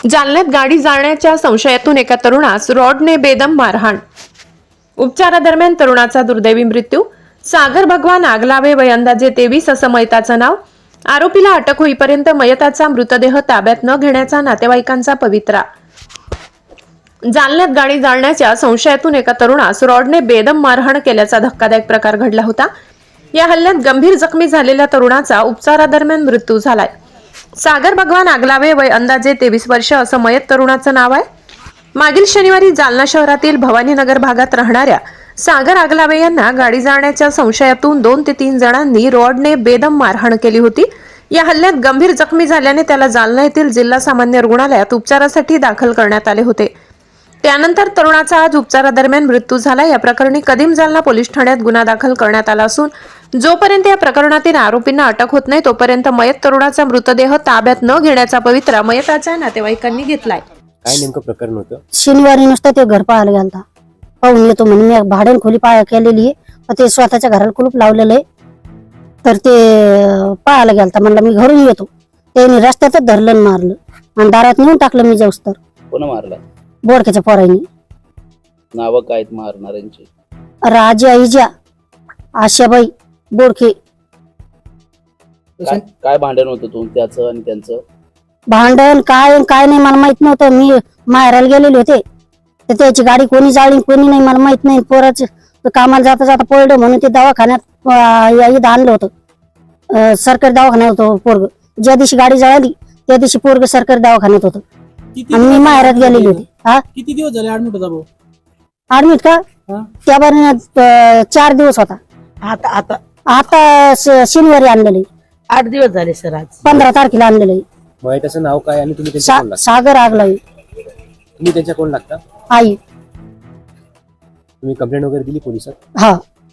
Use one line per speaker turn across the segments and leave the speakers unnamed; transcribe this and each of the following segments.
जालन्यात गाडी जाळण्याच्या संशयातून एका तरुणास रॉडने बेदम मारहाण. उपचारादरम्यान तरुणाचा दुर्दैवी मृत्यू. सागर भगवान आगलावे वय अंदाजे 23 असं मयताचं नाव. आरोपीला अटक होईपर्यंत मयताचा मृतदेह ताब्यात न घेण्याचा नातेवाईकांचा पवित्रा. जालन्यात गाडी जाळण्याच्या संशयातून एका तरुणास रॉडने बेदम मारहाण केल्याचा धक्कादायक प्रकार घडला होता. या हल्ल्यात गंभीर जखमी झालेल्या तरुणाचा उपचारादरम्यान मृत्यू झालाय. सागर भगवान आगलावे वय अंदाजे 23 वर्ष असं मयत तरुणाचं नाव आहे. मागील शनिवारी जालना शहरातील भवानीनगर भागात राहणाऱ्या सागर आगलावे यांना गाडी जाळण्याच्या संशयातून 2 ते 3 जणांनी रॉडने बेदम मारहाण केली होती. या हल्ल्यात गंभीर जखमी झाल्याने त्याला जालना येथील जिल्हा सामान्य रुग्णालयात उपचारासाठी दाखल करण्यात आले होते. त्यानंतर तरुणाचा आज उपचारादरम्यान मृत्यू झाला. या प्रकरणी कदीम जालना पोलीस ठाण्यात गुन्हा दाखल करण्यात आला असून जोपर्यंत या प्रकरणातील आरोपींना अटक होत नाही तोपर्यंत मयत तरुणाचा मृतदेह ताब्यात न घेण्याचा पवित्रा मयताच्या नातेवाईकांनी घेतलाय.
काय नेमकं प्रकरण होतं?
शनिवारी नुसतं ते घर पाहायला गेलता. पाहून येतो म्हणून मी भाड्याने खोली केलेली आहे. ते स्वतःच्या घराला कुलूप लावलेलं आहे. तर ते पाहायला गेलता. म्हणलं मी घरून येतो. त्यांनी रस्त्यातच धरलं आणि मारलं आणि दारात नेऊन टाकलं. मी जाऊस तर
कोण मारला?
बोडक्याच्या पोरांनी.
नाव काय आहेत मारणाऱ्यांची?
राजा इजा, आशाबाई बोडके.
काय भांडण होतं त्याचं आणि त्यांचं?
भांडण काय नाही मला माहित नव्हतं. मी माहेराला गेलेले होते. तर त्याची गाडी कोणी जाळली कोणी नाही मला माहित नाही. पोराचं कामाला जाता जाता पडलं म्हणून ते दवाखान्यात इथं आणलं होतं. सरकारी दवाखान्यात होतं पोरग. ज्या दिवशी गाडी जळाली त्या दिवशी पोरग सरकारी दवाखान्यात होतं आणि मी माहेरात गेलेली होती.
किती दिवस झाले ऍडमिट होता भाऊ?
ऍडमिट का? त्या बारीने 4 दिवस होता. आता शनिवारी आणलेलं आहे.
8 दिवस झाले सर. आज
15 तारखेला आणलेलं आहे.
मयताचं नाव काय आणि तुम्ही त्यांच्या कोण लागता?
सागर आगलावे.
तुम्ही त्यांच्या कोण लागता?
आई.
तुम्ही कंप्लेंट वगैरे दिली पोलिसात?
हा,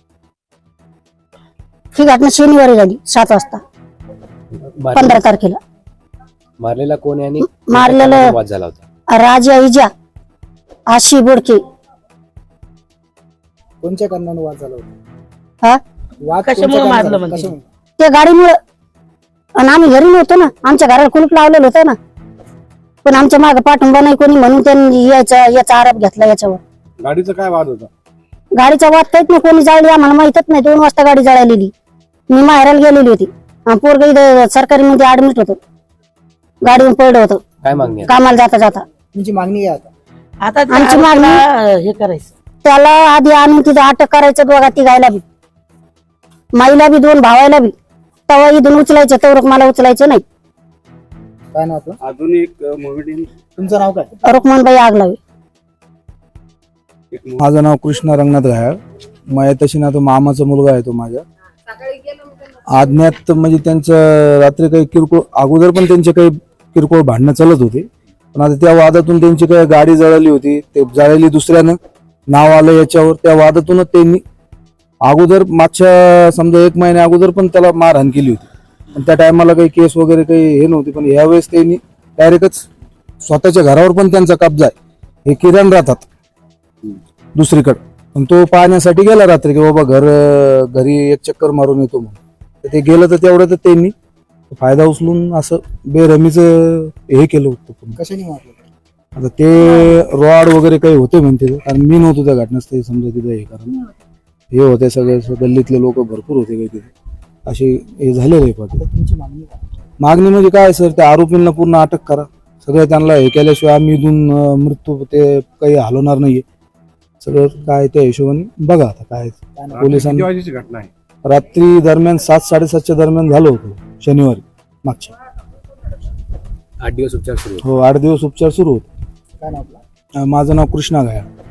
ही घटना शनिवारी झाली 7 वाजता 15 तारखेला.
मारलेला कोण आहे आणि
मारलेलं
वाद झाला होता?
राजा इजा, आशी बोडके.
कोणत्या कारणाने वाद झाला होता?
हा,
वाद
कशामुळे मारलं म्हणजे?
त्या गाडीमुळे. आणि आम्ही घरी नव्हतो ना. आमच्या घराला कुलूप लावलेलं होतं ना. पण आमच्या मागे पाठिंबा नाही कोणी म्हणून त्यांनी याचा आरोप घेतला याच्यावर.
गाडीचा काय वाद होता?
गाडीचा वाद काहीच नाही. कोणी जाळली आम्हाला माहितच नाही. 2 वाजता गाडी जळालेली. मी माहेराला गेलेली होती. पोरग इथं सरकारी मध्ये ऍडमिट होतं. गाडीवर पडलं होतं
काय मागणी आहे?
कामाला जाता जाता.
तुमची मागणी आहे आता?
आता ते
आमची मागणी-
आरोपीला हे करायचं.
त्याला आधी आणून तिथं अटक करायचं. दोघा तिघायला बी, माईला बी, 2 भावायला बी. तेव्हा इथून उचलायचं. तेवढं मला उचलायचं नाही.
काय नाव आपलं?
अजून एक मूवी.
तुमचं नाव काय?
रुक्मणबाई आगलावे.
माझं नाव कृष्णा रंगनाथ घायाळ. मयताशी ना तो मामाचा मुलगा आहे. तो माझ्या आज्ञात म्हणजे त्यांचं रात्री काही किरकोळ अगोदर पण त्यांचे काही किरकोळ भांडणं चालत होते. पण आता त्या वादातून त्यांची काही गाडी जळाली होती. ते जळाली दुसऱ्यानं नाव आलं याच्यावर. त्या वादातूनच त्यांनी अगोदर मागच्या समजा 1 महिन्या अगोदर पण त्याला मारहाण केली होती. पण त्या टायमाला काही केस वगैरे काही हे नव्हती. पण यावेळेस त्यांनी डायरेक्टच स्वतःच्या घरावर पण त्यांचा कब्जा आहे. हे किरण राहतात दुसरीकडे. पण तो पाहण्यासाठी गेला रात्री की बाबा घरी एक चक्कर मारून येतो म्हणून. ते गेलं तर तेवढं त्यांनी फायदा उचलून असं बेरमीचं हे केलं होतं.
कशाने मारलं?
आता ते रॉड वगैरे काही होते म्हणते. कारण मी नव्हतो त्या घटनास्थळी समजा तिथं. हे कारण हे होते सगळे गल्लीतले लोक भरपूर होते काही तिथे. असे हे झालेले आहे.
तुमची मागणी काय?
मागणी म्हणजे काय सर, त्या आरोपींना पूर्ण अटक करा. सगळं त्यांना हे केल्याशिवाय आम्ही इथून मृत्यू ते काही हलवणार नाहीये. सगळं काय त्या हिशोबाने बघा. आता काय पोलिसांनी
वाजेची घटना आहे?
रात्री दरम्यान 7-7:30च्या दरम्यान झालं होतं शनिवारी मागच्या.
8 दिवस उपचार सुरू होते?
हो, 8 दिवस उपचार सुरू होते.
काय नाव आपलं?
माझं नाव कृष्णा घायाळ.